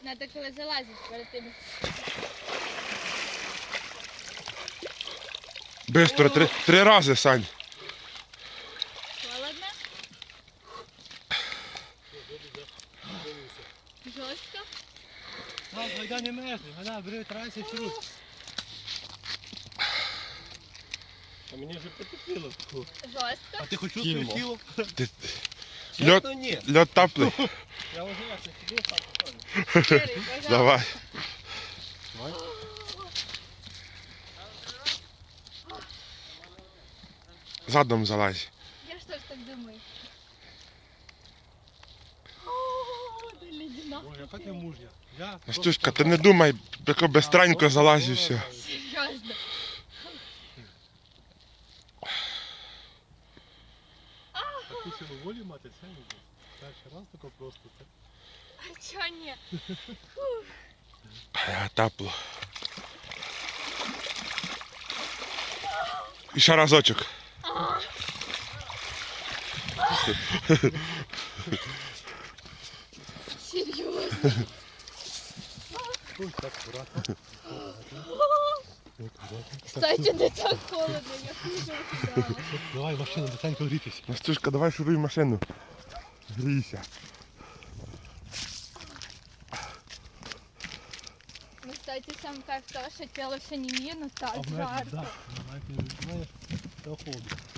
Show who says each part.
Speaker 1: Надо коли залазиш перед тим.
Speaker 2: Бистро, три рази, Сань.
Speaker 1: Холодно? Жорстко?
Speaker 3: Так, гайда не мерзне, гайда, бери, трайся, сіруй. А мені вже потепліло.
Speaker 1: Жорстко?
Speaker 3: А ти хоч чувствуєш тіло?
Speaker 2: Льот,
Speaker 3: Чесно, ні.
Speaker 2: льот теплий.
Speaker 3: Я вже як не сидів, так покажу.
Speaker 1: Сірий, пожалуйста.
Speaker 2: Давай. Задом залазь.
Speaker 1: Я ж теж так думаю. О, да ледяна.
Speaker 3: Ой, яка ти мужня. Я
Speaker 2: Настюшка, ти не думай, тако безстранько залазь і все.
Speaker 1: Серйозно.
Speaker 3: таку силу волі мати, це не буде. Перший раз тако просто. Так.
Speaker 1: А чого ні?
Speaker 2: Тепло. І ще разочок.
Speaker 1: Серйозно.
Speaker 3: Ой, так акуратно.
Speaker 1: Кстати, не так холодно, я хуже ожидала.
Speaker 3: Давай в машину, быстренько грітись.
Speaker 2: Настюшка, давай шуруй машину. Грійся.
Speaker 1: Ну, кстати, сам кайф того, що тіло ще не мінус, так
Speaker 3: А в
Speaker 1: жарко.
Speaker 3: навіть не відчуваєш, то холодно.